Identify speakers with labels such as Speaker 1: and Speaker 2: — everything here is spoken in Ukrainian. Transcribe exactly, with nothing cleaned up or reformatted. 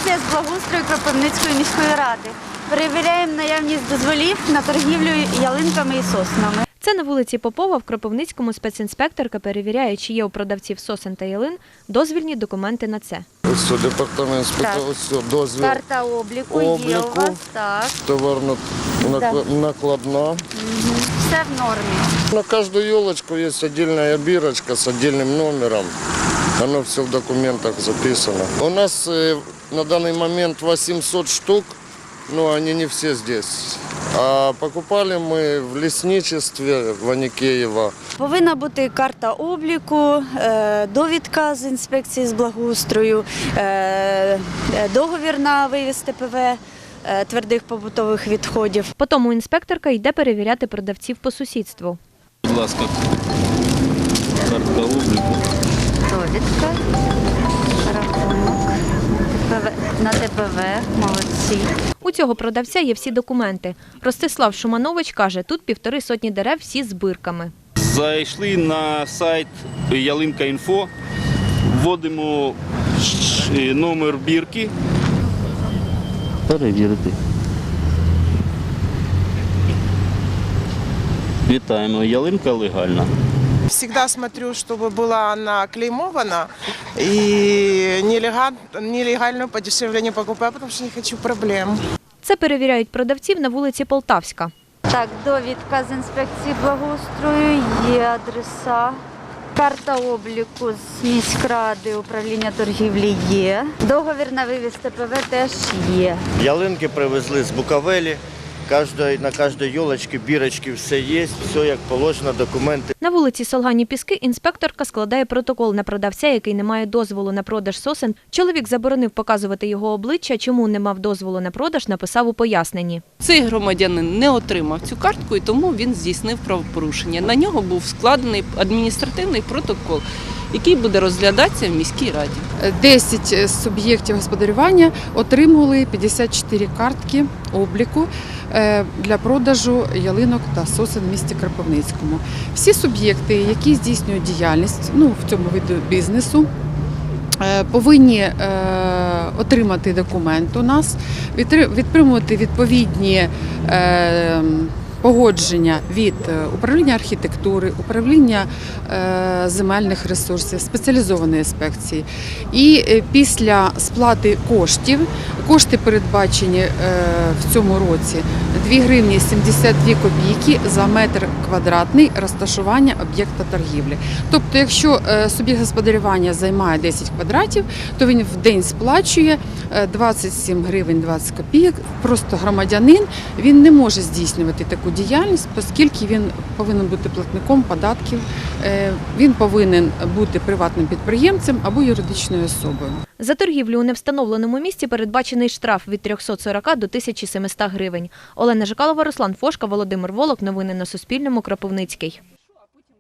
Speaker 1: Інспекція з благоустрою Кропивницької міської ради. Перевіряємо наявність дозволів на торгівлю ялинками і соснами.
Speaker 2: Це на вулиці Попова в Кропивницькому спецінспекторка перевіряє, чи є у продавців сосен та ялин дозвільні документи на це.
Speaker 3: Ось департамент спитав, ось дозвіл.
Speaker 1: Карта обліку,
Speaker 3: обліку
Speaker 1: є у вас, так.
Speaker 3: Товарно накладна.
Speaker 1: Угу. Все в нормі.
Speaker 3: На каждую елочку есть отдельная бирочка с отдельным номером. Оно все в документах записано. У нас э, на данный момент восемьсот штук, но они не все здесь. А покупали мы в лесничестве в Аникеево.
Speaker 1: Повинна бути карта обліку, довідка з інспекції з благоустрою, договір на вивіз Те Пе Ве твердих побутових відходів.
Speaker 2: Потім інспекторка йде перевіряти продавців по сусідству.
Speaker 4: Будь ласка, карта обліку.
Speaker 1: Довідка, рахунок на Те Пе Ве, молодці.
Speaker 2: У цього продавця є всі документи. Ростислав Шуманович каже, тут півтори сотні дерев всі з бирками.
Speaker 4: Зайшли на сайт Ялинка.Інфо, вводимо номер бірки. Перевірити. Вітаємо, ялинка легальна.
Speaker 5: Всегда смотрю, чтобы была она клеймована, и нелегальную подешевле не покупаю, потому что не хочу проблем.
Speaker 2: Це перевіряють продавців на вулиці Полтавська.
Speaker 1: Так, довідка з інспекції благоустрою, є адреса. Карта обліку з міськради, управління торгівлі є. Договір на вивіз Те Пе Ве теж є.
Speaker 6: Ялинки привезли з Буковелі. На кожній елочці, бірочці все є, все як положено, документи.
Speaker 2: На вулиці Солгані Піски інспекторка складає протокол на продавця, який не має дозволу на продаж сосен. Чоловік заборонив показувати його обличчя, чому не мав дозволу на продаж, написав у поясненні.
Speaker 7: Цей громадянин не отримав цю картку і тому він здійснив правопорушення. На нього був складений адміністративний протокол, який буде розглядатися в міській раді.
Speaker 8: десять суб'єктів господарювання отримали п'ятдесят чотири картки обліку для продажу ялинок та сосен в місті Кропивницькому. Всі суб'єкти, які здійснюють діяльність ну, в цьому виду бізнесу, повинні отримати документ у нас, відтримувати відповідні погодження від управління архітектури, управління земельних ресурсів, спеціалізованої інспекції. І після сплати коштів, кошти передбачені в цьому році дві гривні сімдесят дві копійки за метр квадратний розташування об'єкта торгівлі. Тобто, якщо суб'єкт господарювання займає десять квадратів, то він в день сплачує двадцять сім гривень двадцять копійок. Просто громадянин, він не може здійснювати таку діяльність, оскільки він повинен бути платником податків, він повинен бути приватним підприємцем або юридичною особою.
Speaker 2: За торгівлю у невстановленому місці передбачений штраф від трьохсот сорока до тисячі семисот гривень. Олена Жикалова, Руслан Фошка, Володимир Волок. Новини на Суспільному. Кропивницький.